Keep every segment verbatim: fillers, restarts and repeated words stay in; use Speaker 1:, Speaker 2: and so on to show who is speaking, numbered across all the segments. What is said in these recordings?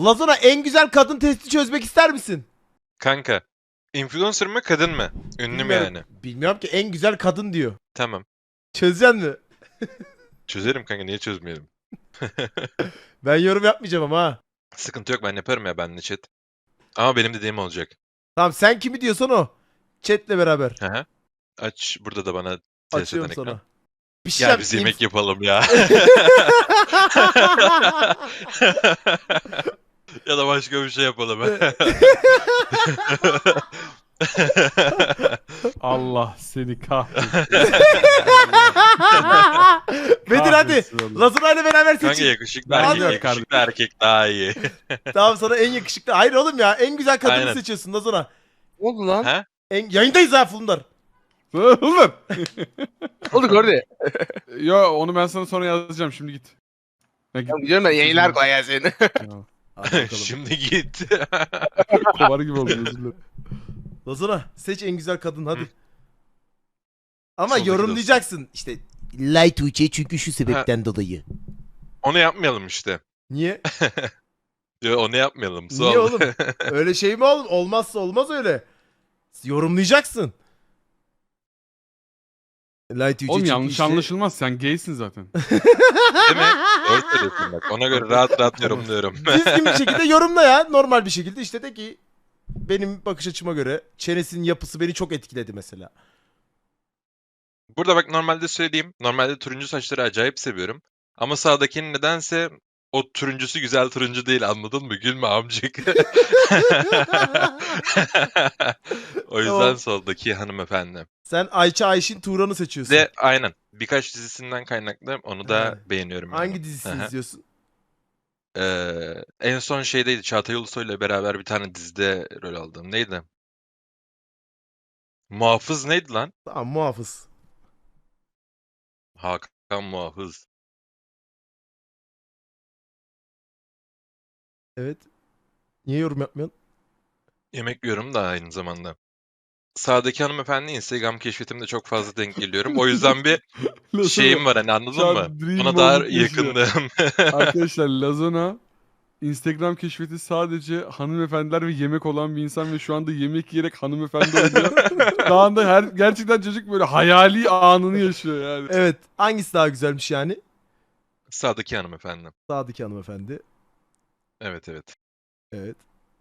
Speaker 1: Lazona en güzel kadın testi çözmek ister misin?
Speaker 2: Kanka. Influencer mı kadın mı? Ünlü mü
Speaker 1: Bilmiyorum.
Speaker 2: yani?
Speaker 1: Bilmiyorum ki, en güzel kadın diyor.
Speaker 2: Tamam.
Speaker 1: Çözeceksin mi?
Speaker 2: Çözerim kanka, niye çözmeyelim?
Speaker 1: Ben yorum yapmayacağım ama ha.
Speaker 2: Sıkıntı yok, ben yaparım ya, benle chat. Ama benim dediğim olacak.
Speaker 1: Tamam, sen kimi diyorsan o. Chat'le beraber.
Speaker 2: Hı hı. Aç, burada da bana ses
Speaker 1: Açıyorum
Speaker 2: eden ekran.
Speaker 1: sana. Bir şey
Speaker 2: Gel
Speaker 1: yap-
Speaker 2: biz
Speaker 1: inf-
Speaker 2: yemek yapalım ya. Ya da başka bir şey yapalım.
Speaker 3: Allah seni kahretsin.
Speaker 1: Bedir hadi.
Speaker 3: Kahretsin oğlum.
Speaker 1: Lazona ile beraber
Speaker 2: Kanka
Speaker 1: seçin.
Speaker 2: yakışıklı
Speaker 3: Ben
Speaker 2: erkek,
Speaker 1: gidiyorum
Speaker 2: yakışıklı erkek daha iyi.
Speaker 1: Tamam, sana en yakışıklı. Hayır oğlum ya, en güzel kadını
Speaker 2: Aynen.
Speaker 1: seçiyorsun Lazona.
Speaker 4: Ne oldu lan?
Speaker 2: Ha?
Speaker 1: En... Yayındayız ha Fulundar.
Speaker 3: Oğlum.
Speaker 4: Ne oldu gördü?
Speaker 3: Yo onu ben sana sonra yazacağım, şimdi git. Ya git.
Speaker 4: Tamam gidiyorum ben, yayınlar kolay gelsin.
Speaker 3: Ya,
Speaker 1: Hadi bakalım.
Speaker 2: Şimdi git.
Speaker 3: kovar gibi oldu, özür dilerim.
Speaker 1: Lazona seç en güzel kadın hadi.
Speaker 2: Hı.
Speaker 1: Ama
Speaker 2: Soldaki
Speaker 1: yorumlayacaksın. İşte Light Tuğçe çünkü şu sebepten dolayı.
Speaker 2: Onu yapmayalım işte.
Speaker 1: Niye?
Speaker 2: Yo, onu yapmayalım.
Speaker 1: Niye
Speaker 2: Sol.
Speaker 1: oğlum? Öyle şey mi oğlum? Olmazsa olmaz öyle. Yorumlayacaksın. Light Tuğçe
Speaker 3: Oğlum
Speaker 1: çünkü
Speaker 3: yanlış
Speaker 1: işte...
Speaker 3: anlaşılmaz, sen gaysin zaten.
Speaker 2: Değil mi? Doğru söylüyorsun bak. Ona göre rahat rahat yorumluyorum.
Speaker 1: Düzgün bir şekilde yorumla ya. Normal bir şekilde işte de ki benim bakış açıma göre çenesinin yapısı beni çok etkiledi mesela.
Speaker 2: Burada bak, normalde söyleyeyim. Normalde turuncu saçları acayip seviyorum. Ama sağdakinin nedense o turuncusu güzel turuncu değil, anladın mı? Gülme amcık. O yüzden
Speaker 1: Tamam.
Speaker 2: soldaki hanımefendi.
Speaker 1: Sen Ayça Ayşin Turan'ı seçiyorsun.
Speaker 2: De aynen. Birkaç dizisinden kaynaklı onu da
Speaker 1: Ha.
Speaker 2: beğeniyorum. yani.
Speaker 1: Hangi dizisini
Speaker 2: Aha.
Speaker 1: izliyorsun?
Speaker 2: Ee, en son şeydeydi. Çağatay Ulusoy'la beraber bir tane dizide rol aldım. Neydi? Muhafız neydi lan?
Speaker 1: Tamam, muhafız.
Speaker 2: Hakan Muhafız.
Speaker 1: Evet. Niye yorum yapmıyorsun?
Speaker 2: Yemek yiyorum da aynı zamanda. Sağdaki hanımefendi Instagram keşfetimde çok fazla denk geliyorum. O yüzden bir şeyim var, hani, anladın
Speaker 3: Şu an
Speaker 2: mı?
Speaker 3: dream
Speaker 2: Ona daha
Speaker 3: moment yaşıyor.
Speaker 2: yakındım.
Speaker 3: Arkadaşlar Lazona Instagram keşfeti sadece hanımefendiler ve yemek olan bir insan ve şu anda yemek yiyerek hanımefendi oluyor. Şu anda her, gerçekten çocuk böyle hayali anını yaşıyor yani.
Speaker 1: Evet. Hangisi daha güzelmiş yani?
Speaker 2: Sağdaki hanımefendi.
Speaker 1: Sağdaki hanımefendi.
Speaker 2: Evet evet.
Speaker 1: Evet.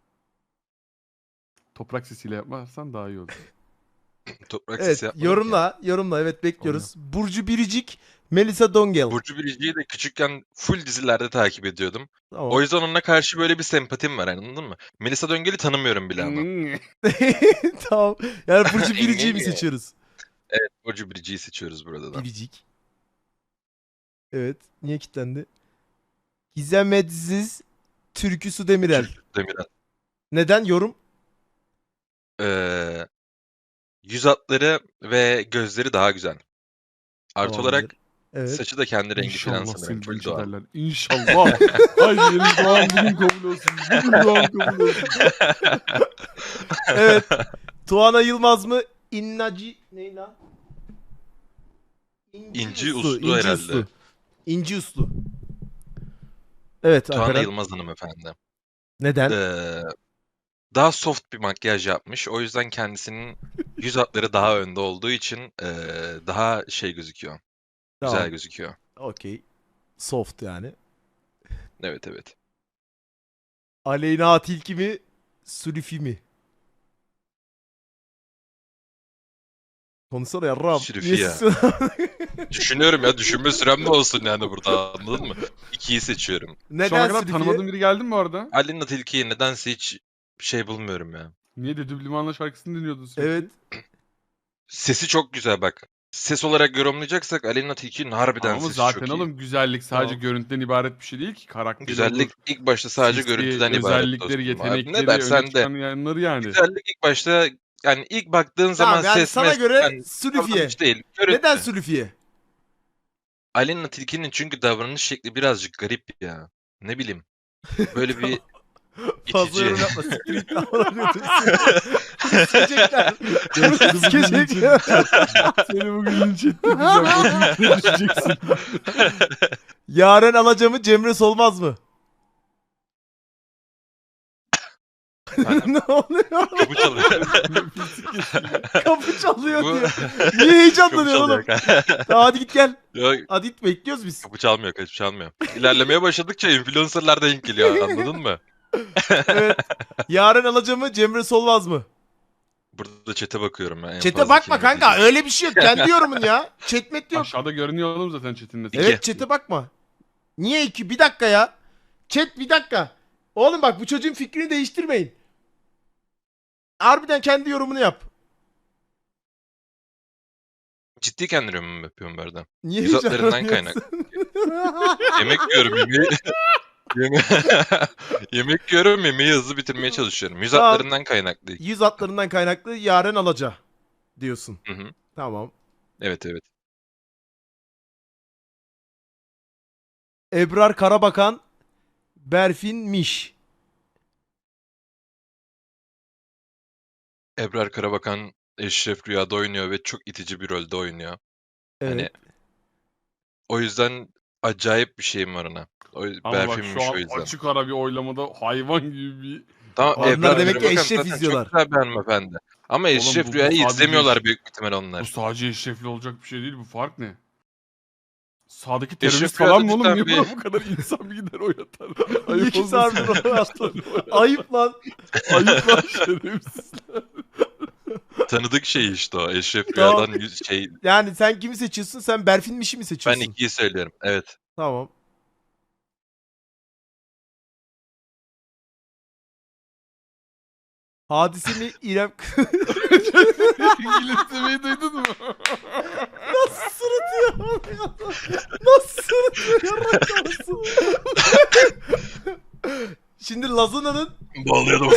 Speaker 3: Toprak sesiyle yapmazsan daha iyi olur.
Speaker 2: Toprak
Speaker 1: Evet.
Speaker 2: sesi yapmadım ki.
Speaker 1: Yorumla. Yorumla. Evet, bekliyoruz. Burcu Biricik, Melisa Dongel.
Speaker 2: Burcu Biricik'i de küçükken full dizilerde takip ediyordum.
Speaker 1: Tamam.
Speaker 2: O yüzden onunla karşı böyle bir sempatim var, anladın mı? Melisa Döngel'i tanımıyorum bile ama.
Speaker 1: Tamam. Yani Burcu Biricik'i mi seçiyoruz?
Speaker 2: Evet, Burcu Biricik'i seçiyoruz burada da.
Speaker 1: Biricik. Evet. Niye kilitlendi? Gizem Edziz, Türkü Su Demirel.
Speaker 2: Demirel.
Speaker 1: Neden? Yorum?
Speaker 2: Ee, yüz hatları ve gözleri daha güzel. Artı
Speaker 1: Tamamdır.
Speaker 2: olarak
Speaker 1: Evet.
Speaker 2: saçı da kendi rengi falan
Speaker 3: İnşallah
Speaker 2: sanırım.
Speaker 3: seni
Speaker 2: Full
Speaker 3: linç
Speaker 2: doğal.
Speaker 3: ederler. İnşallah. Ay yeni doğan bugün kabul olsun. Bugün doğan kabul olsun.
Speaker 1: Evet. Tuana Yılmaz mı? İnnaci... Ne lan?
Speaker 2: İnci Uslu herhalde.
Speaker 1: Uslu. İnci Uslu. Evet.
Speaker 2: Tuana
Speaker 1: Alperen.
Speaker 2: Yılmaz hanımefendi.
Speaker 1: Neden?
Speaker 2: Ee, daha soft bir makyaj yapmış. O yüzden kendisinin yüz hatları daha önde olduğu için ee, daha şey gözüküyor. Güzel
Speaker 1: Tamam.
Speaker 2: gözüküyor.
Speaker 1: Okey. Soft yani.
Speaker 2: Evet evet.
Speaker 1: Aleyna Tilki mi? Sülüfi mi? Konuşsana yarrağım.
Speaker 2: Sülüfi
Speaker 1: Niye
Speaker 2: ya.
Speaker 1: susuyorsun?
Speaker 2: Düşünüyorum ya, düşünme sürem de olsun yani burada, anladın mı? İkiyi seçiyorum.
Speaker 3: Şu ana
Speaker 1: Neden
Speaker 3: kadar
Speaker 1: Sülüfi'ye?
Speaker 3: tanımadığın biri geldi mi bu arada?
Speaker 2: Alina Tilki'yi nedense hiç şey bulmuyorum ya.
Speaker 3: Niye de Düblimanla şarkısını dinliyordun sürekli?
Speaker 1: Evet.
Speaker 2: Sesi çok güzel bak. Ses olarak yorumlayacaksak Alina Tilki'nin harbiden
Speaker 3: Ama
Speaker 2: sesi
Speaker 3: zaten
Speaker 2: çok iyi.
Speaker 3: oğlum güzellik sadece
Speaker 1: Tamam.
Speaker 3: görüntüden ibaret bir şey değil ki. Karakteri
Speaker 2: Güzellik
Speaker 3: olur,
Speaker 2: ilk başta sadece
Speaker 3: sesi,
Speaker 2: görüntüden ibaret
Speaker 3: özellikleri,
Speaker 2: dostum abi.
Speaker 3: yetenekleri,
Speaker 2: Ne dersen
Speaker 3: öne
Speaker 2: de.
Speaker 3: çıkan yanları yani.
Speaker 2: Güzellik ilk başta, yani ilk baktığın zaman
Speaker 1: Tamam, yani
Speaker 2: ses
Speaker 1: sana
Speaker 2: mes-
Speaker 1: göre
Speaker 2: yani
Speaker 1: Sülüfiye.
Speaker 2: davranış değil. Görüntü.
Speaker 1: Neden Sülüfiye?
Speaker 2: Alina Tilki'nin çünkü davranış şekli birazcık garip ya. Ne bileyim. Böyle bir
Speaker 1: Fazla
Speaker 2: itici.
Speaker 1: yorum yapma. Siktir git lan. Sikecekler.
Speaker 3: Seni bugün linç
Speaker 1: Sikecekler.
Speaker 3: Seni bugün linç ettireceğim. O linçe düşeceksin.
Speaker 1: Yaren Alaca mı? Cemre Solmaz mı?
Speaker 2: Efendim?
Speaker 1: Ne oluyor?
Speaker 2: Kapı çalıyor.
Speaker 3: Nefesi kesiliyor.
Speaker 1: Kapı çalıyor
Speaker 2: Bu-
Speaker 1: diyor. Niye heyecanlanıyorsun
Speaker 2: Kapı
Speaker 1: oğlum?
Speaker 2: çalıyor.
Speaker 1: Tamam, hadi git gel.
Speaker 2: Yok,
Speaker 1: Hadi git, bekliyoruz biz.
Speaker 2: kapı çalmıyor, kapı çalmıyor. İlerlemeye başladıkça influencerlar denk geliyor, anladın mı?
Speaker 1: Evet. Yaren Alaca mı, Cemre Solmaz mı?
Speaker 2: Burada chat'e bakıyorum ben. en
Speaker 1: Chat'e
Speaker 2: fazla
Speaker 1: bakma
Speaker 2: kim
Speaker 1: kanka,
Speaker 2: izleyecek.
Speaker 1: öyle bir şey yok. Kendi yorumun ya. Chat met yok.
Speaker 3: Aşağıda görünüyor oğlum zaten chat'in
Speaker 2: İki.
Speaker 1: Evet, chat'e bakma. Niye iki? Bir dakika ya. Chat bir dakika. Oğlum bak, bu çocuğun fikrini değiştirmeyin. Harbiden kendi yorumunu yap.
Speaker 2: Ciddi kendi yorumumu yapıyorum bu arada.
Speaker 1: Niye
Speaker 2: Yüz hatlarından
Speaker 1: heyecanlanıyorsun?
Speaker 2: Yemek yiyorum, yemeği... Yeme... Yemek yiyorum, yemeği hızlı bitirmeye çalışıyorum. Yüz
Speaker 1: Tamam.
Speaker 2: hatlarından kaynaklı.
Speaker 1: Yüz hatlarından kaynaklı Yaren Alaca diyorsun.
Speaker 2: Hı hı.
Speaker 1: Tamam.
Speaker 2: Evet evet.
Speaker 1: Ebrar Karabakan, Berfin Miş.
Speaker 2: Ebrar Karabakan Eşref Rüya'da oynuyor ve çok itici bir rolde oynuyor.
Speaker 1: Evet.
Speaker 2: Hani o yüzden acayip bir şeyim var ona. O
Speaker 3: Ama bak
Speaker 2: Berfin'miş
Speaker 3: şu
Speaker 2: o
Speaker 3: an
Speaker 2: yüzden.
Speaker 3: açık ara bir oylamada hayvan gibi bir...
Speaker 2: Tamam,
Speaker 1: Onlar
Speaker 2: Ebrar
Speaker 1: demek ki
Speaker 2: Karabakan
Speaker 1: Eşref
Speaker 2: zaten
Speaker 1: izliyorlar.
Speaker 2: çok güzel bir hanımefendi. Ama
Speaker 3: Oğlum
Speaker 2: Eşref
Speaker 3: bu- bu
Speaker 2: Rüya'yı
Speaker 3: sadece
Speaker 2: izlemiyorlar
Speaker 3: Eşref-
Speaker 2: büyük ihtimal
Speaker 3: Bu
Speaker 2: onlar.
Speaker 3: sadece eşrefli olacak bir şey değil, bu fark ne? Sağdaki
Speaker 2: Eşref
Speaker 3: terörist falan mı
Speaker 2: Rüya'da
Speaker 3: oğlum? Niye
Speaker 2: cidden
Speaker 3: buna bu kadar insan bir gider o yatar?
Speaker 1: Niye
Speaker 3: Ayıp
Speaker 1: ki
Speaker 3: olmasın.
Speaker 1: harbiden o yatar? Ayıp lan.
Speaker 3: Ayıp lan şerefsizler.
Speaker 2: Tanıdık şey işte o. Eşref
Speaker 1: Tamam.
Speaker 2: Rüya'dan yüz şey.
Speaker 1: Yani sen kimi seçiyorsun? Sen Berfin Miş'i mi
Speaker 2: Ben
Speaker 1: seçiyorsun?
Speaker 2: ikiyi söylüyorum. Evet.
Speaker 1: Tamam. Hadise mi, İrem...
Speaker 3: İngilizcemeyi duydun mu?
Speaker 1: Nasıl sırıtıyor? Nasıl sırıtıyor? Yarraklasın. Şimdi Lazuna'nın...
Speaker 2: Bağlıyordum.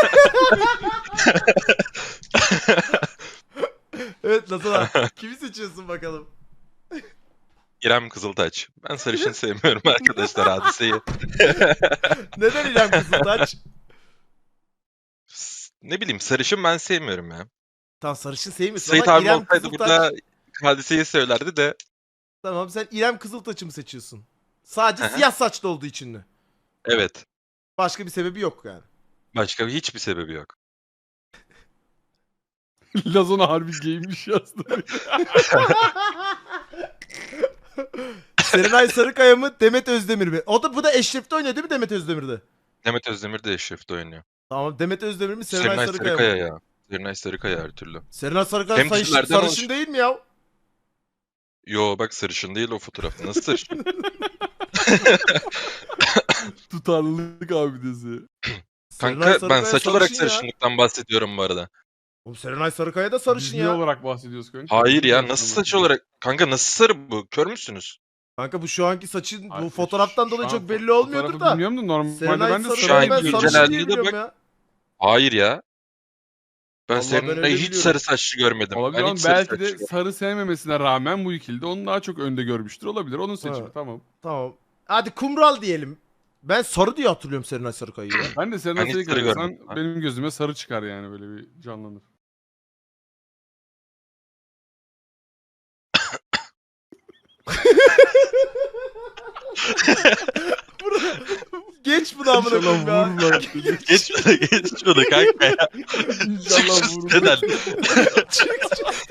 Speaker 1: Evet Lazuna. Kimi seçiyorsun bakalım?
Speaker 2: İrem Kızıltaç. Ben sarışın sevmiyorum arkadaşlar, Hadise'yi.
Speaker 1: Neden İrem Kızıltaç?
Speaker 2: S- Ne bileyim, sarışın ben sevmiyorum ya.
Speaker 1: Tamam, sarışın sevmiyorsun
Speaker 2: Sait
Speaker 1: ama
Speaker 2: abi
Speaker 1: İrem
Speaker 2: olsaydı
Speaker 1: Kızıltaç...
Speaker 2: burada Hadise'yi söylerdi de.
Speaker 1: Tamam, sen İrem Kızıltaç'ı mı seçiyorsun? Sadece
Speaker 2: Hı hı.
Speaker 1: siyah saçlı olduğu için mi?
Speaker 2: Evet.
Speaker 1: Başka bir sebebi yok yani.
Speaker 2: Başka hiçbir sebebi yok.
Speaker 3: Lazona harbi giymiş yazdı.
Speaker 1: Serenay Sarıkaya mı, Demet Özdemir mi? O da, bu da Eşref'te oynuyor değil mi, Demet Özdemir'de?
Speaker 2: Demet Özdemir de Eşref'te oynuyor.
Speaker 1: Tamam, Demet Özdemir mi, Serenay,
Speaker 2: Serenay
Speaker 1: Sarıkaya,
Speaker 2: Sarıkaya
Speaker 1: mı?
Speaker 2: ya. Serenay Sarıkaya her türlü.
Speaker 1: Serenay Sarıkaya
Speaker 2: Hem
Speaker 1: sarışın,
Speaker 2: dizilerden
Speaker 1: sarışın
Speaker 2: olmuş.
Speaker 1: değil mi ya?
Speaker 2: Yo bak, sarışın değil o fotoğrafta. Nasıl sarışın?
Speaker 3: Tutarlılık abidesi.
Speaker 1: Serenay
Speaker 2: Kanka ben
Speaker 1: Sarıkaya
Speaker 2: saç olarak
Speaker 1: sarışın ya.
Speaker 2: sarışınlıktan bahsediyorum bu arada.
Speaker 1: Oğlum Serenay Sarıkaya da sarışın
Speaker 3: Biz ne
Speaker 1: ya.
Speaker 3: olarak bahsediyoruz kanka?
Speaker 2: Hayır ya,
Speaker 3: Biz
Speaker 2: nasıl
Speaker 3: de-
Speaker 2: saç olarak? Kanka nasıl sarı bu? Kör müsünüz?
Speaker 1: Kanka bu şu anki saçın
Speaker 3: Ay,
Speaker 1: bu fotoğraftan
Speaker 3: şu
Speaker 1: dolayı
Speaker 3: an
Speaker 1: çok
Speaker 3: fo-
Speaker 1: belli olmuyordur
Speaker 3: fotoğrafı
Speaker 1: da.
Speaker 3: Bilmiyorum da normalde
Speaker 1: Serenay
Speaker 3: ben de
Speaker 2: Şu
Speaker 1: Sarıkaya
Speaker 2: an
Speaker 1: ben
Speaker 3: sarı
Speaker 2: güncel
Speaker 1: sarışın diye
Speaker 2: halinde
Speaker 1: biliyorum
Speaker 2: bak-
Speaker 1: ya.
Speaker 2: Hayır ya. Ben
Speaker 1: Vallahi ben
Speaker 2: senin
Speaker 1: öyle
Speaker 2: hiç
Speaker 1: biliyorum.
Speaker 2: sarı saçlı görmedim.
Speaker 3: Olabilir
Speaker 2: Ben
Speaker 3: ama
Speaker 2: hiç sarı
Speaker 3: belki
Speaker 2: saçlı
Speaker 3: de
Speaker 2: görmedim.
Speaker 3: sarı sevmemesine rağmen bu ikilde onu daha çok önde görmüştür. Olabilir. Onun seçimi.
Speaker 1: Ha.
Speaker 3: Tamam.
Speaker 1: Tamam. Hadi kumral diyelim. Ben sarı diye hatırlıyorum Serenay Sarıkaya'yı ya.
Speaker 3: Ben de Serenay
Speaker 2: Ben hiç sarı
Speaker 3: Sarıkaya
Speaker 2: görmedim.
Speaker 3: sen benim gözüme sarı çıkar yani, böyle bir canlanır.
Speaker 1: Geç bunu amına koyayım ya.
Speaker 3: İnşallah vururlar.
Speaker 2: Geç bunu, geç bunu kanka ya. Çık
Speaker 3: İnşallah
Speaker 2: şu
Speaker 3: vururlar.
Speaker 2: siteden.
Speaker 1: Çık çık.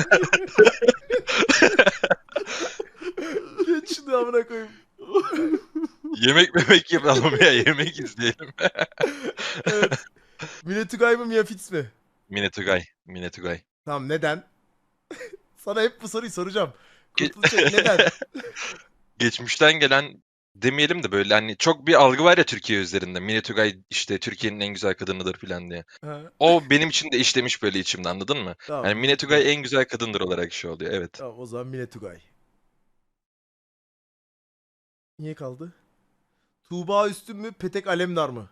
Speaker 1: Geç şunu amına koyayım.
Speaker 2: Yemek memek yapalım ya, yemek izleyelim.
Speaker 1: Evet. Mine Tugay mı, Mia Fitz mi?
Speaker 2: Mine Tugay. Mine Tugay.
Speaker 1: Tamam, neden? Sana hep bu soruyu soracağım.
Speaker 2: Ge-
Speaker 1: Kurtulacak neden?
Speaker 2: Geçmişten gelen demeyelim de böyle hani çok bir algı var ya Türkiye üzerinde. Mine Tugay işte Türkiye'nin en güzel kadınıdır falan diye.
Speaker 1: Ha,
Speaker 2: O benim için de işlemiş böyle içimde, anladın mı?
Speaker 1: tamam.
Speaker 2: Yani Mine Tugay en güzel kadındır olarak şey oluyor, evet.
Speaker 1: Tamam, o zaman Mine Tugay. Niye kaldı? Tuğba Üstün mü, Petek Alemdar mı?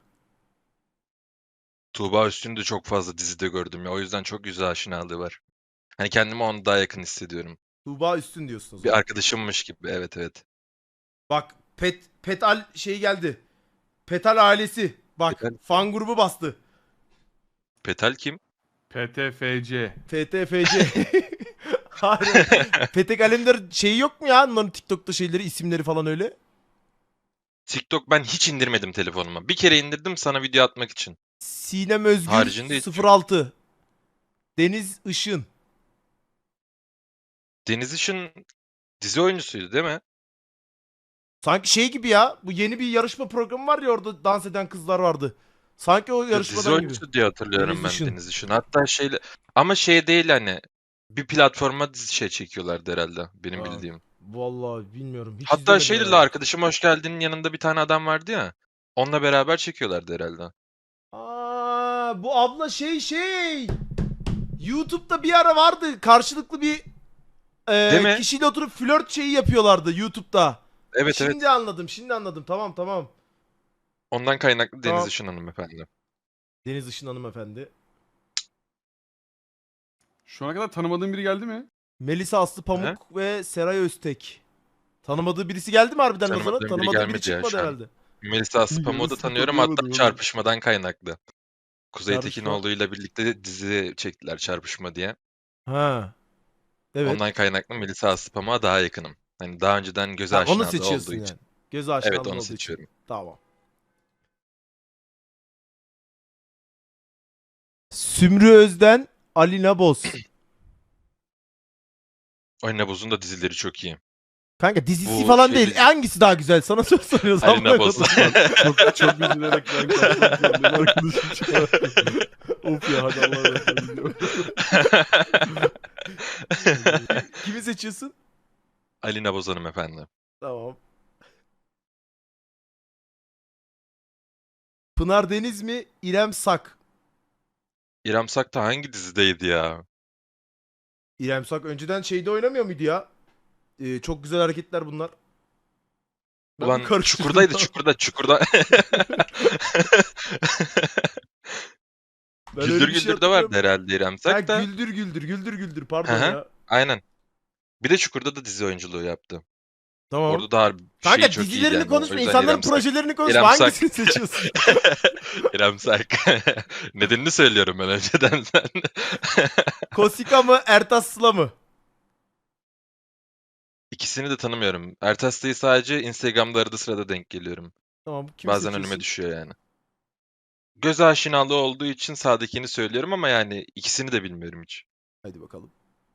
Speaker 2: Tuğba Üstün'ü de çok fazla dizide gördüm ya. O yüzden çok yüz aşinalığı var. Hani kendimi ona daha yakın hissediyorum.
Speaker 1: Tuğba Üstün diyorsun o zaman.
Speaker 2: Bir arkadaşımmış gibi. Evet evet.
Speaker 1: Bak Pet Petal şey geldi. Petal ailesi. Bak
Speaker 2: Petal.
Speaker 1: fan grubu bastı.
Speaker 2: Petal kim?
Speaker 3: P T F C.
Speaker 1: F T F C. Hayır. Petek Alemdar şeyi yok mu ya? Onların TikTok'ta şeyleri, isimleri falan öyle.
Speaker 2: TikTok ben hiç indirmedim telefonuma. Bir kere indirdim sana video atmak için.
Speaker 1: Sinem Özgür
Speaker 2: Haricinde hiç
Speaker 1: sıfır altı. Deniz Işın.
Speaker 2: Deniz Işın dizi oyuncusuydu değil mi?
Speaker 1: Sanki şey gibi ya. Bu yeni bir yarışma programı var ya, orada dans eden kızlar vardı. Sanki o
Speaker 2: Dizi
Speaker 1: yarışmadan gibi.
Speaker 2: oyuncusu diye hatırlıyorum
Speaker 1: Deniz
Speaker 2: ben
Speaker 1: Işın.
Speaker 2: Deniz Işın. Hatta şeyle ama şey değil hani bir platforma dizi şey çekiyorlardı herhalde benim
Speaker 1: Ha,
Speaker 2: bildiğim.
Speaker 1: Vallahi bilmiyorum. Hiç
Speaker 2: Hatta
Speaker 1: izlemedim
Speaker 2: şeyle
Speaker 1: herhalde.
Speaker 2: arkadaşım hoş geldin'in yanında bir tane adam vardı ya. Onunla beraber çekiyorlardı herhalde.
Speaker 1: Aa, bu abla şey şey. YouTube'da bir ara vardı. Karşılıklı bir
Speaker 2: Değil
Speaker 1: e,
Speaker 2: mi?
Speaker 1: kişiyle oturup flört şeyi yapıyorlardı YouTube'da.
Speaker 2: Evet
Speaker 1: şimdi
Speaker 2: evet.
Speaker 1: anladım. Şimdi anladım. Tamam tamam.
Speaker 2: Ondan kaynaklı Deniz
Speaker 1: Tamam.
Speaker 2: Işın hanımefendi.
Speaker 1: Deniz Işın hanımefendi.
Speaker 3: Şu ana kadar tanımadığın biri geldi mi?
Speaker 1: Melisa Aslı Pamuk ve Seray Öztek. Tanımadığı birisi geldi mi harbiden Lazan'a?
Speaker 2: Tanımadığım biri
Speaker 1: Tanımadığı biri
Speaker 2: gelmedi ya
Speaker 1: çıkmadı
Speaker 2: şu an.
Speaker 1: herhalde.
Speaker 2: Melisa Aslıpamuk'u da
Speaker 3: Yarısını
Speaker 2: tanıyorum hatta
Speaker 3: tanıyamadım oğlum.
Speaker 2: çarpışmadan kaynaklı. Kuzey
Speaker 1: Çarpışma.
Speaker 2: Tekinoğlu'yla birlikte dizi çektiler Çarpışma diye.
Speaker 1: Ha. Evet.
Speaker 2: Ondan kaynaklı Melisa Aslıpamuk'a daha yakınım. Hani daha önceden göze
Speaker 1: Ha, onu
Speaker 2: aşinalığı
Speaker 1: seçiyorsun
Speaker 2: olduğu
Speaker 1: yani.
Speaker 2: için.
Speaker 1: Göz aşinalığı
Speaker 2: Evet onu
Speaker 1: olduğu için.
Speaker 2: seçiyorum.
Speaker 1: Tamam. Sümrü Özden, Alina Boz.
Speaker 2: Alina Boz'un da dizileri çok iyi.
Speaker 1: Kanka dizisi
Speaker 2: Bu
Speaker 1: falan
Speaker 2: şey
Speaker 1: değil.
Speaker 2: dizi-
Speaker 1: Hangisi daha güzel? Sana soru soruyoruz.
Speaker 2: Alina
Speaker 1: amına
Speaker 2: Boz.
Speaker 1: koyayım.
Speaker 3: Çok çok üzülerek ben kapatmak zorundayım. Arkadaşım çağırdı. Of ya hadi Allah'a emanet olun.
Speaker 1: Kimi seçiyorsun?
Speaker 2: Alina Boz hanımefendi.
Speaker 1: Tamam. Pınar Deniz mi? İrem Sak.
Speaker 2: İrem Sak da hangi dizideydi ya?
Speaker 1: İrem Sak önceden şeyde oynamıyor muydu ya? Ee, çok güzel hareketler bunlar. Ben
Speaker 2: Ulan
Speaker 1: bir karıştırdım
Speaker 2: Çukur'daydı
Speaker 1: ya.
Speaker 2: Çukur'da Çukur'da.
Speaker 1: Ben öyle
Speaker 2: Güldür
Speaker 1: bir şey
Speaker 2: Güldür'de vardı
Speaker 1: hatırlıyorum.
Speaker 2: herhalde İrem
Speaker 1: Ha,
Speaker 2: Sak da.
Speaker 1: güldür güldür güldür güldür pardon
Speaker 2: Hı hı.
Speaker 1: ya.
Speaker 2: Aynen. Bir de Çukur'da da dizi oyunculuğu yaptı.
Speaker 1: Tamam.
Speaker 2: Orada da harbi
Speaker 1: Kanka
Speaker 2: şey çok iyiydi
Speaker 1: dizilerini
Speaker 2: yani. O
Speaker 1: konuşma,
Speaker 2: yüzden
Speaker 1: insanların
Speaker 2: İrem Sak.
Speaker 1: projelerini konuşma.
Speaker 2: İrem Sak.
Speaker 1: Hangisini seçiyorsun?
Speaker 2: İrem Sak. Nedenini söylüyorum ben önceden sen.
Speaker 1: Kosika mı, Ertas Sıla mı?
Speaker 2: İkisini de tanımıyorum. Ertas'tayı sadece Instagram'da arada sırada denk geliyorum.
Speaker 1: Tamam, kimi
Speaker 2: Bazen
Speaker 1: seçiyorsun?
Speaker 2: önüme düşüyor yani. Göz aşinalığı olduğu için sağdakini söylüyorum ama yani ikisini de bilmiyorum hiç.
Speaker 1: Hadi bakalım.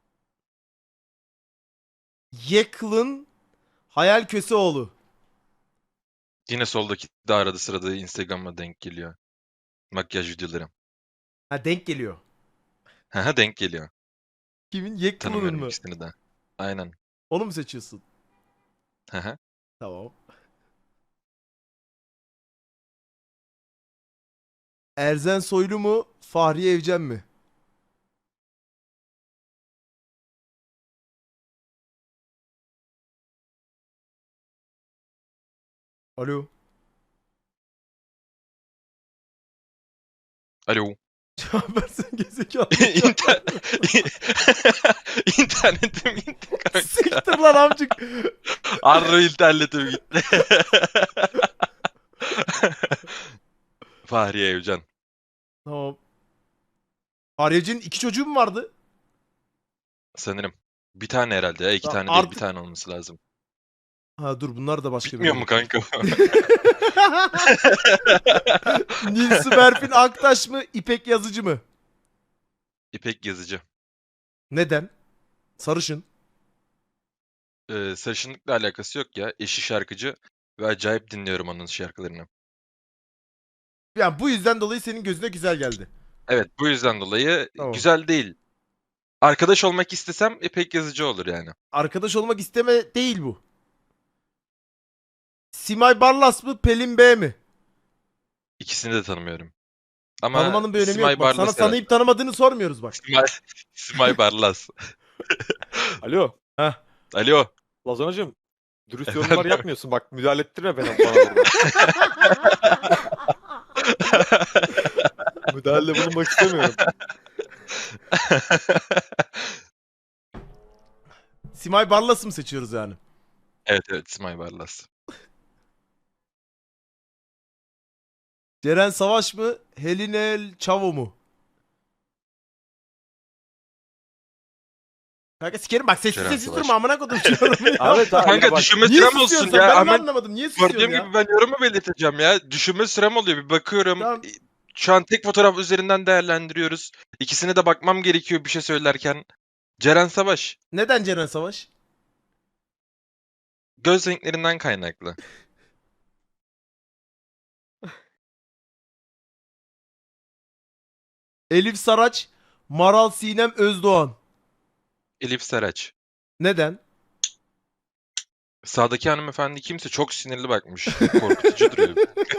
Speaker 1: Yeklın Hayal Köseoğlu.
Speaker 2: Yine soldaki de arada sırada Instagram'a denk geliyor. Makyaj videoları.
Speaker 1: Ha, denk geliyor.
Speaker 2: Haha denk geliyor.
Speaker 1: Kimin? Yeklın'ın
Speaker 2: Tanımıyorum
Speaker 1: mı?
Speaker 2: ikisini de. Aynen.
Speaker 1: Onu mu seçiyorsun?
Speaker 2: Haha.
Speaker 1: Tamam. Erzen Soylu mu, Fahriye Evcen mi? Alo.
Speaker 2: Alo.
Speaker 1: Cevap versene gezekalı.
Speaker 2: İnter... İnternetim gitti kanka.
Speaker 1: Siktir lan amcık.
Speaker 2: Arro internetim gitti. Fahriye Evcen.
Speaker 1: Tamam. Fahriye Evcen'in iki çocuğu mu vardı?
Speaker 2: Sanırım. Bir tane herhalde ya. İki
Speaker 1: Ya
Speaker 2: tane değil
Speaker 1: artık-
Speaker 2: bir tane olması lazım.
Speaker 1: Ha dur, bunlar da başka
Speaker 2: Bilmiyor mu kanka?
Speaker 1: Nilsi Berfin Aktaş mı, İpek Yazıcı mı?
Speaker 2: İpek Yazıcı.
Speaker 1: Neden? Sarışın.
Speaker 2: Ee, sarışınlıkla alakası yok ya. Eşi şarkıcı ve acayip dinliyorum onun şarkılarını.
Speaker 1: Yani bu yüzden dolayı senin gözüne güzel geldi.
Speaker 2: Evet bu yüzden dolayı
Speaker 1: Tamam.
Speaker 2: güzel değil. Arkadaş olmak istesem İpek Yazıcı olur yani.
Speaker 1: Arkadaş olmak isteme değil bu. Simay Barlas mı, Pelin B mi?
Speaker 2: İkisini de tanımıyorum. Ama
Speaker 1: Tanımanın bir önemi
Speaker 2: Simay
Speaker 1: yok. Bak, sana
Speaker 2: Barlas herhalde.
Speaker 1: tanıyıp tanımadığını sormuyoruz bak.
Speaker 2: Simay, Simay Barlas.
Speaker 5: Alo.
Speaker 1: Heh.
Speaker 2: Alo.
Speaker 5: Lazanacığım. Dürüst
Speaker 2: Efendim?
Speaker 5: yorumlar yapmıyorsun. Bak müdahale ettirme bana, bana burada. Müdahale bulunmak istemiyorum.
Speaker 1: Simay Barlas'ı mı seçiyoruz yani?
Speaker 2: Evet evet Simay Barlas.
Speaker 1: Ceren Savaş mı, Helinel Çavo mu? Kanka sikerim bak, sessiz
Speaker 2: Ceren
Speaker 1: sessiz
Speaker 2: Savaş.
Speaker 1: durma amına kodum şu yorumu ya.
Speaker 5: Ahmet abi
Speaker 2: Kanka
Speaker 5: bak.
Speaker 2: düşünme
Speaker 1: Niye
Speaker 2: sürem
Speaker 1: susuyorsun
Speaker 2: olsun
Speaker 1: sen?
Speaker 2: ya.
Speaker 1: Ben de
Speaker 2: Hemen
Speaker 1: anlamadım. Niye susuyorsun
Speaker 2: gördüğüm
Speaker 1: ya?
Speaker 2: gibi ben yorumu belirteceğim ya. Düşünme sürem oluyor. Bir bakıyorum.
Speaker 1: Tamam.
Speaker 2: Şu an tek fotoğraf üzerinden değerlendiriyoruz. İkisine de bakmam gerekiyor bir şey söylerken. Ceren Savaş.
Speaker 1: Neden Ceren Savaş?
Speaker 2: Göz renklerinden kaynaklı.
Speaker 1: Elif Saraç, Maral Sinem Özdoğan.
Speaker 2: Elif Saraç.
Speaker 1: Neden?
Speaker 2: Sağdaki hanımefendi kimse çok sinirli bakmış. Korkutucu duruyor.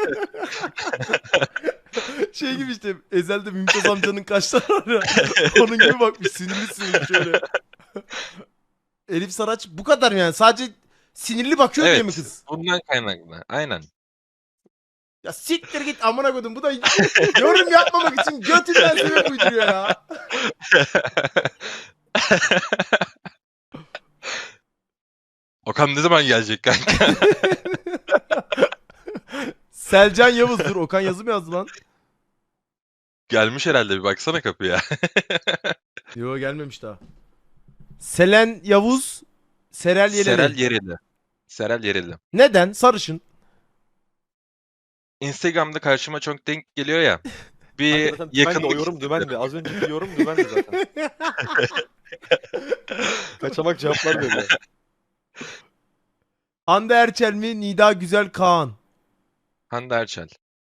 Speaker 1: Şey gibi işte Ezel'de Mümtaz amcanın kaşları var ya. Onun gibi bakmış sinirli sinirli şöyle. Elif Saraç bu kadar yani sadece sinirli bakıyor diye mi
Speaker 2: Evet.
Speaker 1: kız?
Speaker 2: Bundan kaynaklı. Aynen.
Speaker 1: Ya siktir git amına koydum bu da yorum yapmamak için götünden sebep uyduruyor ya.
Speaker 2: Okan ne zaman gelecek kanka?
Speaker 1: Selcan Yavuz dur Okan yazı mı yazdı lan?
Speaker 2: Gelmiş herhalde bir baksana kapıya.
Speaker 1: Yo gelmemiş daha. Selen Yavuz, Serel Yeleli.
Speaker 2: Serel Yereli. Serel Yereli.
Speaker 1: Neden? Sarışın.
Speaker 2: Instagram'da karşıma çok denk geliyor ya. Bir
Speaker 5: Zaten dümendi, o
Speaker 2: yakınlık
Speaker 5: yorum dümendi. Az önceki yorum dümendi zaten. Kaçamak cevaplar veriyor.
Speaker 1: Hande Erçel mi? Nida Güzel Kaan.
Speaker 2: Hande Erçel.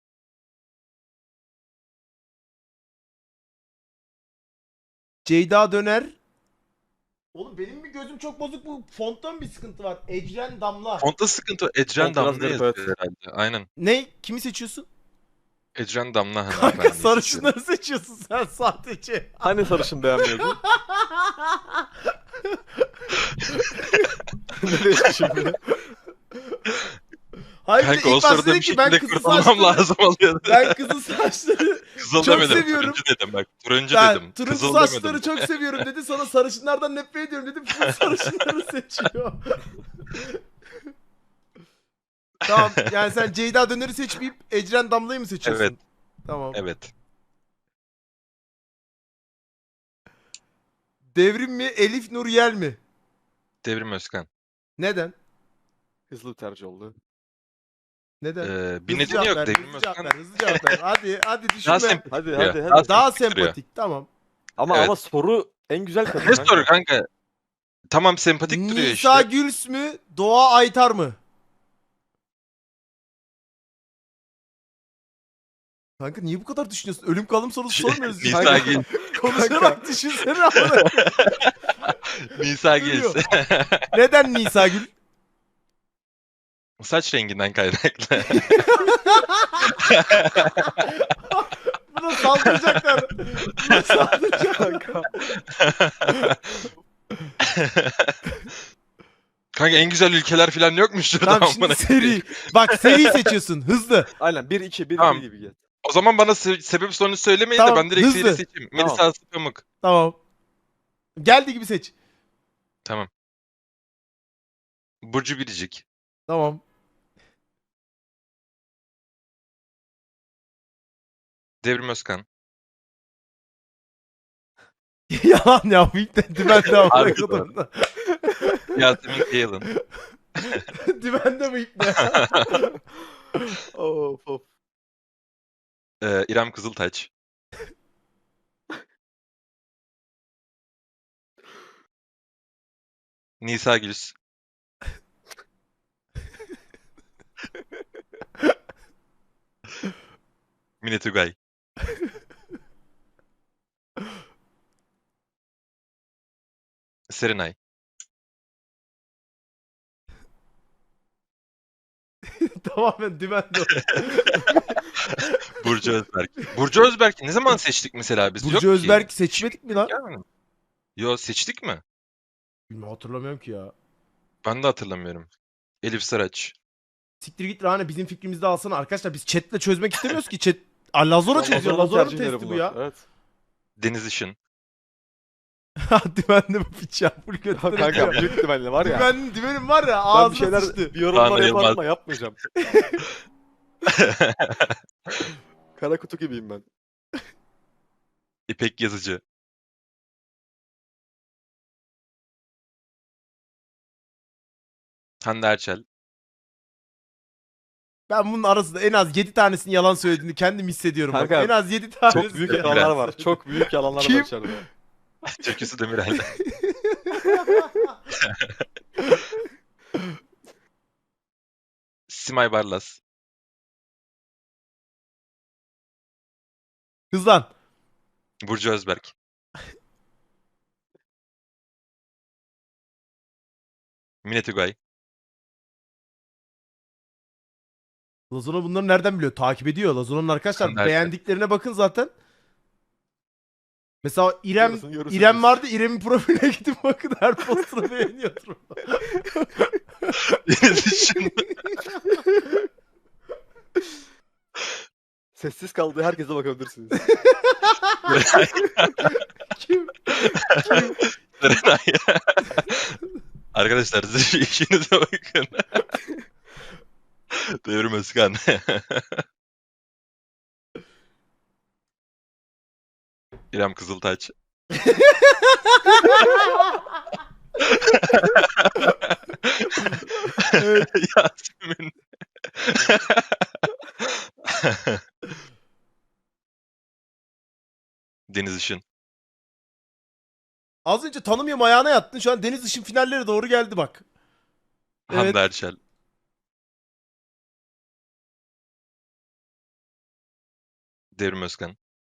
Speaker 1: Ceyda Döner. Oğlum benim mi gözüm çok bozuk bu fonttan bir sıkıntı var. Ecren Damla.
Speaker 2: Fontta sıkıntı. Ecren
Speaker 5: Font biraz
Speaker 2: Damla
Speaker 5: garip,
Speaker 2: yazıyor
Speaker 5: evet.
Speaker 2: herhalde. Aynen.
Speaker 1: Ne? Kimi seçiyorsun?
Speaker 2: Ecren Damla
Speaker 1: Kanka
Speaker 2: hanımefendi.
Speaker 1: sarışınları seçiyorsun sen sadece.
Speaker 5: Hani sarışın beğenmiyordun? ne değişti şimdi?
Speaker 1: Hayır bir de
Speaker 2: Kanka o
Speaker 1: ilk başta
Speaker 2: sırada
Speaker 1: dedi
Speaker 2: bir
Speaker 1: ki ben
Speaker 2: şekilde
Speaker 1: kızıl
Speaker 2: kurtulmam
Speaker 1: saçları,
Speaker 2: lazım oluyordu.
Speaker 1: ben kızıl saçları,
Speaker 2: Kızıl
Speaker 1: çok
Speaker 2: demedim.
Speaker 1: seviyorum.
Speaker 2: Turuncu dedim bak. Turuncu
Speaker 1: ben
Speaker 2: dedim.
Speaker 1: turuncu
Speaker 2: Kızıl
Speaker 1: saçları
Speaker 2: demedim.
Speaker 1: çok seviyorum dedi. Sonra sarışınlardan nefret ediyorum dedi. Full sarışınları seçiyor. Tamam yani sen Ceyda Döner'i seçmeyip Ecren Damla'yı mı seçiyorsun?
Speaker 2: Evet.
Speaker 1: Tamam.
Speaker 2: Evet.
Speaker 1: Devrim mi Elif Nur Yel mi?
Speaker 2: Devrim Özkan.
Speaker 1: Neden?
Speaker 5: Hızlı bir tercih oldu.
Speaker 1: Neden?
Speaker 2: Ee, bir
Speaker 1: Hızlı
Speaker 2: nedeni
Speaker 1: cevap
Speaker 2: yok.
Speaker 1: ver,
Speaker 2: Devrim
Speaker 1: hızlı cevap
Speaker 2: Özkan
Speaker 1: ver, hızlı cevap ver. Hadi hadi düşünme.
Speaker 2: daha
Speaker 1: Daha,
Speaker 2: sempatik
Speaker 5: Hadi
Speaker 2: duruyor.
Speaker 5: hadi hadi.
Speaker 2: Daha
Speaker 1: daha
Speaker 2: sempatik duruyor.
Speaker 1: sempatik tamam.
Speaker 5: Ama
Speaker 2: Evet.
Speaker 5: ama soru en güzel kadın.
Speaker 2: Ne
Speaker 5: kanka.
Speaker 2: soru kanka? Tamam sempatik duruyor
Speaker 1: Nisa
Speaker 2: işte.
Speaker 1: Güls mü? Doğa Aytar mı? Kanka niye bu kadar düşünüyorsun? Ölüm kalım sorusu sormuyoruz.
Speaker 2: Nisa
Speaker 1: Kanka,
Speaker 2: Gil.
Speaker 1: konuşarak düşünsene amına.
Speaker 2: Nisa Gil.
Speaker 1: Duruyor. Neden Nisa Gül?
Speaker 2: Saç renginden kaynaklı.
Speaker 1: Buna saldıracaklar. Buna saldıracaklar.
Speaker 5: Kanka.
Speaker 2: Kanka en güzel ülkeler falan yokmuş şurada.
Speaker 1: Tamam şimdi
Speaker 2: amına
Speaker 1: seri.
Speaker 2: koyayım.
Speaker 1: Bak seri seçiyorsun. Hızlı.
Speaker 5: Aynen bir iki bir
Speaker 2: Tamam.
Speaker 5: iki gibi gel.
Speaker 2: O zaman bana se- sebep sorunu söylemeyin
Speaker 1: Tamam,
Speaker 2: de ben direkt
Speaker 1: hızlı.
Speaker 2: seri seçeyim.
Speaker 5: Tamam.
Speaker 2: Melisa Aslı Pamuk.
Speaker 1: Tamam. Geldi gibi seç.
Speaker 2: Tamam. Burcu Biricik.
Speaker 1: Tamam.
Speaker 2: Devrim Özkan.
Speaker 1: Yalan ya. Bu ilk de dümende amına
Speaker 2: Harbiden.
Speaker 1: kodum.
Speaker 2: Yasemin Kayalın.
Speaker 1: Dümende bu ilk de.
Speaker 5: Of of.
Speaker 2: Ee, İrem Kızıltaç. Nisa Güls. Mine Tugay. Serenay.
Speaker 1: Tamamen dümende.
Speaker 2: Burcu Özberk. Burcu Özberk'i ne zaman seçtik mesela biz? Yok
Speaker 1: Burcu
Speaker 2: ki.
Speaker 1: Özberk seçmedik mi lan?
Speaker 2: Gelmedi mi? Yo seçtik mi?
Speaker 1: Bilmiyorum hatırlamıyorum ki ya.
Speaker 2: Ben de hatırlamıyorum. Elif Saraç.
Speaker 1: Siktir git Rane bizim fikrimizde alsana. Arkadaşlar biz chatle çözmek istemiyoruz ki. Chat Aa, Lazora çözüyor.
Speaker 5: Lazona'nın
Speaker 1: Lazora'nın
Speaker 5: tercihleri
Speaker 1: testi bu
Speaker 5: bunlar.
Speaker 1: ya.
Speaker 5: Evet.
Speaker 2: Deniz Işın.
Speaker 1: Dümende bu piç ya. Full götüne
Speaker 5: Kanka
Speaker 1: atıyor.
Speaker 5: büyük ihtimalle var ya.
Speaker 1: Dümen, dümenim var ya
Speaker 5: Ben
Speaker 1: ağzına
Speaker 5: bir şeyler
Speaker 1: sıçtı.
Speaker 5: bir yorumlar
Speaker 2: Rana
Speaker 5: yaparım
Speaker 2: Yılmaz.
Speaker 5: ama yapmayacağım. Kara kutu gibiyim ben.
Speaker 2: İpek Yazıcı. Hande Erçel.
Speaker 1: Ben bunun arasında en az yedi tanesinin yalan söylediğini kendim hissediyorum. Bak.
Speaker 5: Kanka,
Speaker 1: En az yedi tanesi.
Speaker 5: Çok büyük
Speaker 1: yalan
Speaker 5: yalanlar var.
Speaker 1: söyledi.
Speaker 5: Çok büyük yalanlar
Speaker 1: Kim?
Speaker 5: var içeride.
Speaker 2: Türküsü Demirel'de. Simay Barlas.
Speaker 1: Hızlan.
Speaker 2: Burcu Özberk. Mine Tugay.
Speaker 1: Lazona bunları nereden biliyor? Takip ediyor. Lazona'nın arkadaşlar
Speaker 2: Nereden?
Speaker 1: beğendiklerine bakın zaten. Mesela İrem
Speaker 5: Yarısını görürsünüz.
Speaker 1: İrem vardı. İrem'in profiline gidip bakın, her postunu beğeniyordur.
Speaker 2: Deniz Işın.
Speaker 5: Sessiz kaldığı herkese bakabilirsiniz.
Speaker 1: Kim?
Speaker 2: Serenay. Arkadaşlar siz bir işinize bakın. Devrim Özkan. İrem Kızıltaç. Yasemin. Deniz Işın.
Speaker 1: Az önce tanımıyorum ayağına yattın. Şu an Deniz Işın finalleri doğru geldi bak. Evet.
Speaker 2: Hande Erçel. Devrim Özkan.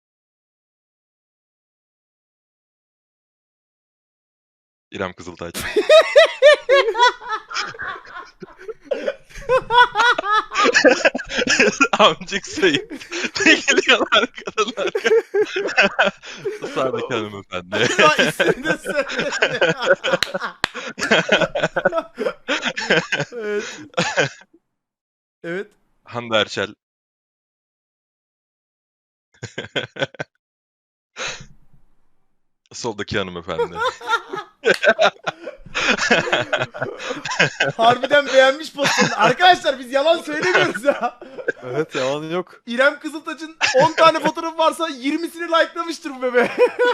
Speaker 2: İrem Kızıltaç. Amcık sayın. Ne geliyorlar kadınlar? Sağdaki hanımefendi.
Speaker 1: Ya ismini de söyledi. Evet. Evet.
Speaker 2: Hande Erçel. Soldaki hanımefendi.
Speaker 1: Harbiden beğenmiş postunu. Arkadaşlar biz yalan söylemiyoruz ya.
Speaker 5: Evet, yalan yok.
Speaker 1: İrem Kızıltaç'ın on tane fotoğrafı varsa yirmisini likelamıştır bu bebe.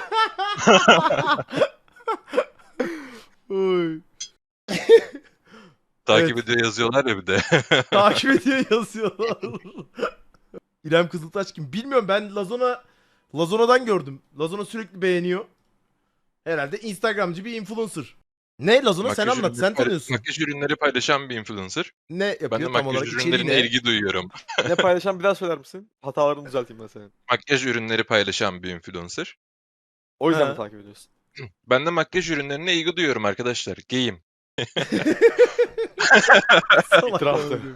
Speaker 1: Oy.
Speaker 2: Takip
Speaker 1: Evet.
Speaker 2: ediyor yazıyorlar ya bir de.
Speaker 1: Takip ediyor yazıyorlar. İrem Kızıltaç kim? Bilmiyorum, ben Lazona Lazona'dan gördüm. Lazona sürekli beğeniyor. Herhalde Instagramcı bir influencer. Ne Lazona, sen
Speaker 2: Makyaj
Speaker 1: anlat,
Speaker 2: ürünleri
Speaker 1: sen
Speaker 2: payla-
Speaker 1: tanıyorsun.
Speaker 2: Makyaj ürünleri paylaşan bir influencer.
Speaker 1: Ne yapıyor
Speaker 2: Ben de
Speaker 1: tam
Speaker 2: makyaj
Speaker 1: olarak, içeriği
Speaker 2: ürünlerine
Speaker 1: ne?
Speaker 2: ilgi duyuyorum.
Speaker 5: Ne paylaşan bir daha söyler misin? Hatalarını düzelteyim ben senin.
Speaker 2: Makyaj ürünleri paylaşan bir influencer.
Speaker 5: O yüzden
Speaker 1: Ha.
Speaker 5: mi takip ediyorsun?
Speaker 2: Ben de makyaj ürünlerine ilgi duyuyorum arkadaşlar. Geyim.
Speaker 1: Salak
Speaker 5: İtiraftı.
Speaker 1: oğlum.